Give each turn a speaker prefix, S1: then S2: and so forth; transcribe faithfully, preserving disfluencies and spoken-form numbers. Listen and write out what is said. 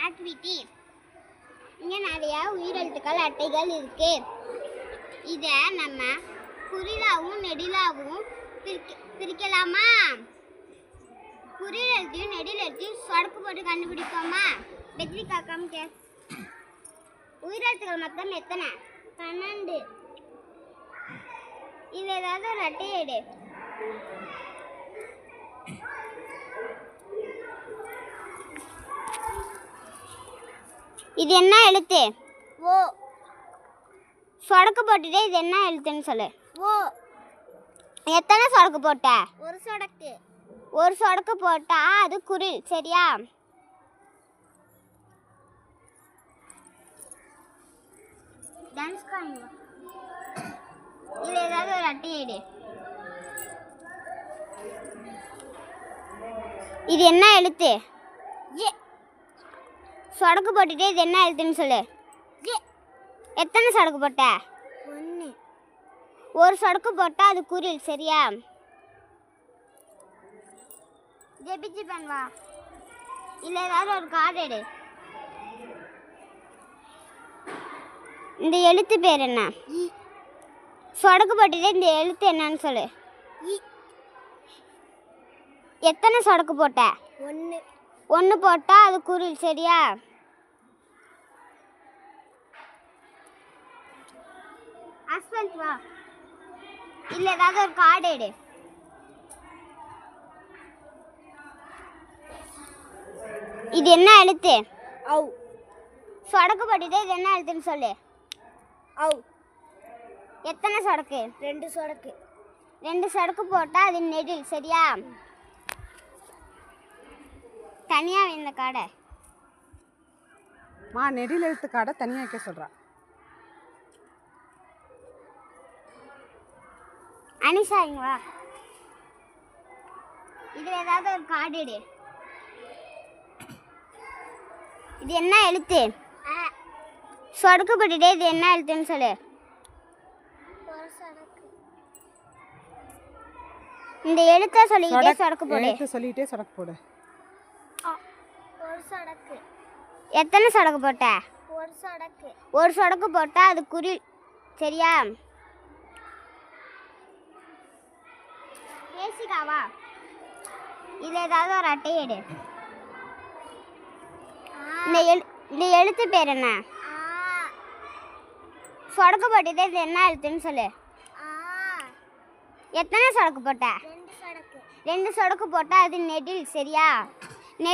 S1: Activity. இங்கே நிறையா உயிரெழுத்துக்கள் அட்டைகள் இருக்கு. இதை நம்ம குறிலாவும் நெடிலாவும் பிரிக்க பிரிக்கலாமா? குறிலெழுத்தையும் நெடிலெழுத்தையும் சொடக்கு போட்டு கண்டுபிடிப்போமா? வெற்றி காக்காம கே உயிரெழுத்துக்கள் மொத்தம் எத்தனை? பன்னெண்டு. இது ஏதாவது ஒரு அட்டையை எடு. இது என்ன எழுத்து? ஓ. சொடக்கு போட்டுட்டே இது என்ன எழுத்துன்னு சொல்லு. ஓ. எத்தனை சொடக்கு போட்ட? ஒரு சொடக்கு. ஒரு சொடக்கு போட்டா அது குரில், சரியா? டான்ஸ் காணுங்க. இது ஏதாவது ஒரு அட்டையை எடு. இது என்ன எழுத்து? ஏ. சொடக்கு போட்டுட்டே இது என்ன எழுத்துன்னு சொல்லு. ஏ. எத்தனை சொடக்கு போட்ட? ஒன்று. ஒரு சொடக்கு போட்டால் அது குரில், சரியா? ஜெபிச்சு பண்ணுவா. இல்லை ஏதாவது ஒரு கார்டு எடு. இந்த எழுத்து பேர் என்ன? சொடக்கு போட்டுட்டே இந்த எழுத்து என்னன்னு சொல்லு. எத்தனை சொடக்கு போட்ட? ஒன்று. ஒன்று போட்டால் அது குரில், சரியா? ஹஸ்பண்ட் வா. இல்லை ஏதாவது ஒரு கார்டு எடு. இது என்ன எழுத்து? ஔ. சொடக்கு போட்டுட்டு இது என்ன எழுத்துன்னு சொல்லு. ஔ. எத்தனை சொடக்கு? ரெண்டு சொடக்கு. ரெண்டு சொடக்கு போட்டால் அது நெடில், சரியா? தனியாக இந்த காடை
S2: மா நெடில் எழுத்து காடை தனியாக வைக்க சொல்கிறா.
S1: அனிஷா இங்க வா. இதில் ஏதாவது ஒரு கார்டு எடு. இது என்ன எழுத்து? சொடக்கு போட்டுட்டே இது என்ன எழுத்துன்னு சொல்லு. இந்த எழுத்தை சொல்லிக்கிட்டே சொடக்கு போடு.
S2: எழுத்து சொல்லிட்டே சொடக்கு போடு.
S1: ஒரு சொடக்கு. எத்தனை சொடக்கு போட்ட? ஒரு சொடக்கு. ஒரு சொடக்கு போட்டா அது குரில், சரியா? பேசிக்காவா. இது ஏதாவது ஒரு அட்டையை எடு. இந்த எழு இந்த எழுத்து பேர் என்ன? சொடக்கு போட்டுட்டு இது என்ன எழுத்துன்னு சொல்லு. எத்தனை சொடக்கு போட்ட? ரெண்டு சொடக்கு. ரெண்டு சொடக்கு போட்டால் அது நெடில், சரியா?